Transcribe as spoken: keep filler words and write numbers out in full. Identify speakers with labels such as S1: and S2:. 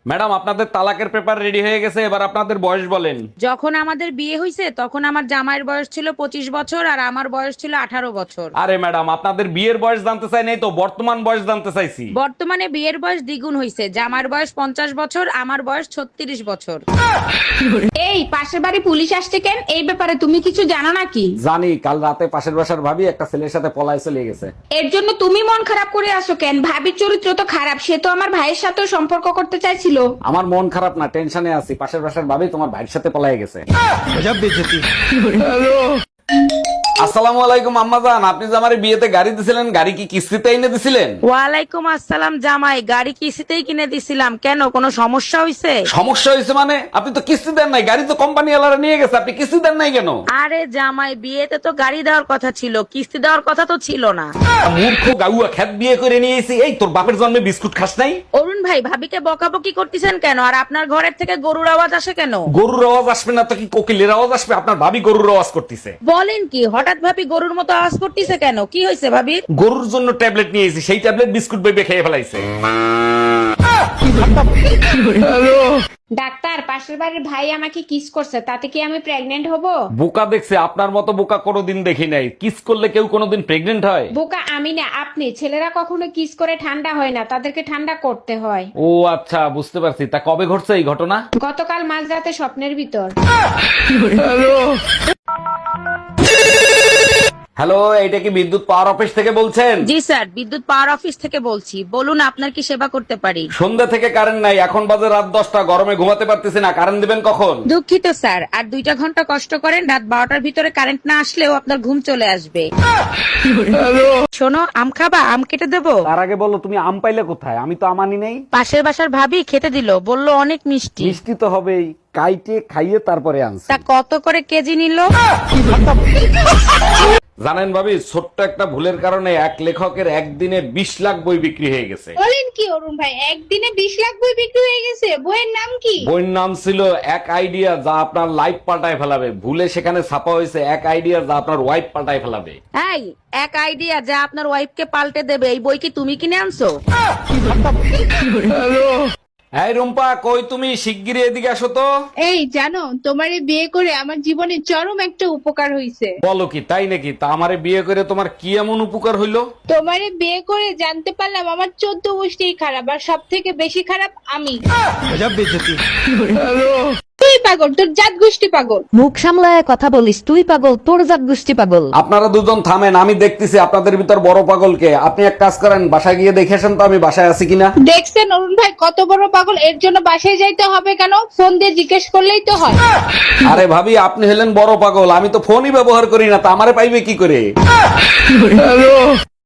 S1: Madam আপনাদের তালাকের paper ready হয়ে গেছে, এবার আপনাদের বয়স বলেন।
S2: যখন আমাদের বিয়ে হয়েছে তখন আমার জামাইয়ের বয়স ছিল পঁচিশ বছর আর আমার বয়স ছিল আঠারো বছর।
S1: আরে ম্যাডাম আপনাদের বিয়ের বয়স জানতে চাই নাই তো, বর্তমান বয়স জানতে চাইছি।
S2: বর্তমানে বিয়ের বয়স দ্বিগুণ হয়েছে, জামাইয়ের বয়স পঞ্চাশ বছর, আমার বয়স ছত্রিশ বছর।
S3: এই পাশের বাড়ি পুলিশ আসছে কেন? এই ব্যাপারে তুমি কিছু জানো নাকি?
S1: জানি, কাল রাতে পাশের বাসার ভাবি একটা ছেলের সাথে পলায় চলে গেছে।
S3: এর জন্য তুমি মন খারাপ করে আসো কেন? ভাবির চরিত্র তো খারাপ, সে তো আমার ভাইয়ের সাথে সম্পর্ক করতে চাইছিল।
S1: আমার মন খারাপ না, টেনশনে আছি। পাশের বাসার ভাবি তোমার ভাইয়ের সাথে পলায় গেছে। আসসালামু আলাইকুম আম্মাজান, আপনি যে আমার বিয়েতে গাড়ি দিছিলেন, গাড়ি কি কিস্তিতে এনে দিছিলেন?
S2: ওয়ালাইকুম আসসালাম জামাই, গাড়ি কিস্তিতেই কিনে দিছিলাম। কেন, কোনো সমস্যা হয়েছে?
S1: সমস্যা হয়েছে মানে? আপনি তো কিস্তি দেন নাই, গাড়ি তো কোম্পানি ওয়ালারা নিয়ে গেছে, আপনি কিস্তি দেন নাই কেন?
S2: আরে জামাই, বিয়েতে তো গাড়ি দেওয়ার কথা ছিল, কিস্তি দেওয়ার কথা তো ছিল না।
S1: মূর্খ গাউয়া, খ্যাত বিয়ে করে নিয়েছি। এই তোর বাপের জন্মে বিস্কুট খাস নাই?
S2: অরুণ ভাই, ভাবিকে বকাবকি করতেছেন কেন? আর আপনার ঘরের থেকে গরুর আওয়াজ আসে কেন?
S1: গরুর আওয়াজ আসবে না তো কি কোকিলের আওয়াজ আসবে? আপনার ভাবি গরুর আওয়াজ করতেছে।
S2: বলেন কি, হঠাৎ ভাবি গরুর মতো আওয়াজ করতেছে কেন? কি হয়েছে ভাবির?
S1: গরুর জন্য ট্যাবলেট নিয়েছি, সেই ট্যাবলেট বিস্কুট বেবে খেয়ে ফেলাইছে।
S3: ডাক্তার, পাশের বাড়ির ভাই আমাকে কিস করছে, তাতে কি আমি প্রেগনেন্ট হব?
S1: বোকা দেখছে, আপনার মতো বোকা কোনোদিন দেখি নাই। কিস করলে কেউ কোনোদিন প্রেগনেন্ট হয়?
S3: বোকা আমি না, আপনি। ছেলেরা কখনো কিস করে ঠান্ডা হয় না, তাদেরকে ঠান্ডা করতে হয়।
S1: ও আচ্ছা, বুঝতে পারছি। তা কবে ঘটছে এই ঘটনা?
S3: গতকাল মাঝরাতে স্বপ্নের ভিতর।
S1: হ্যালো, এইটা কি বিদ্যুৎ পাওয়ার অফিস থেকে বলছেন?
S2: জি স্যার, বিদ্যুৎ পাওয়ার অফিস থেকে বলছি। বলুন, আপনার কি সেবা করতে পারি?
S1: সন্ধ্যা থেকে কারেন্ট নাই, এখন বাজে রাত দশটা, গরমে ঘুমাতে পারতেছি না। কারেন্ট দিবেন কখন?
S2: দুঃখিত স্যার, আর দুইটা ঘন্টা কষ্ট করেন, রাত বারোটার ভিতরে কারেন্ট না আসলেও আপনার ঘুম চলে আসবে। শোনো, আম খাবা? আম কেটে দেবো?
S1: তার আগে বলো, তুমি আম পাইলে কোথায়? আমি তো আমানি নেই।
S2: পাশের বাসার ভাবি খেতে দিল, বললো অনেক মিষ্টি।
S1: মিষ্টি তো হবেই, কাইটে খাইয়ে তারপরে আনছি।
S2: তা কত করে কেজি নিল?
S1: জানেন ভাবি, ছোট্ট একটা ভুলের কারণে এক লেখকের একদিনে বিশ লাখ বই বিক্রি হয়ে গেছে।
S3: বলেন কি অরুণ ভাই, একদিনে বিশ লাখ বই বিক্রি হয়ে গেছে? বইয়ের নাম কি?
S1: বইয়ের নাম ছিল এক আইডিয়া যা আপনার লাইফ পাল্টায় ফেলাবে। ভুলে সেখানে ছাপা হয়েছে এক আইডিয়া যা আপনার ওয়াইফ পাল্টায় ফেলাবে।
S2: এই, এক আইডিয়া যা আপনার ওয়াইফকে পাল্টে দেবে, এই বই কি তুমি কিনে আনছো?
S1: এই রুম্পা, কই তুমি? শিগগিরই এদিকে আসো তো।
S4: এই জানো, তোমারে বিয়ে করে আমার জীবনে চরম একটা উপকার হইছে।
S1: বলো কি, তাই নাকি? তা আমারে বিয়ে করে তোমার কি এমন উপকার হইলো?
S4: তোমারে বিয়ে করে জানতে পারলাম আমার চোদ্দ গোষ্ঠী খারাপ, আর সব থেকে বেশি খারাপ আমি। তুই পাগল, তোর জাত গোষ্ঠী পাগল।
S5: মুখ সামলায় কথা বলিস, তুই পাগল, তোর জাত গোষ্ঠী পাগল।
S1: আপনারা দুজন থামেন, আমি দেখতেছি আপনাদের ভিতর বড় পাগলকে। আপনি এক কাজ করেন, বাসায় গিয়ে দেখে আসেন তো আমি বাসায় আছি কিনা।
S4: দেখছেন অরুণ ভাই কত বড় পাগল? এর জন্য বাসায় যাইতে হবে কেন? ফোন দিয়ে জিজ্ঞেস করলেই তো হয়।
S1: আরে ভাবি, আপনি হলেন বড় পাগল, আমি তো ফোনই ব্যবহার করি না, তা আমারে পাইবে কি করে?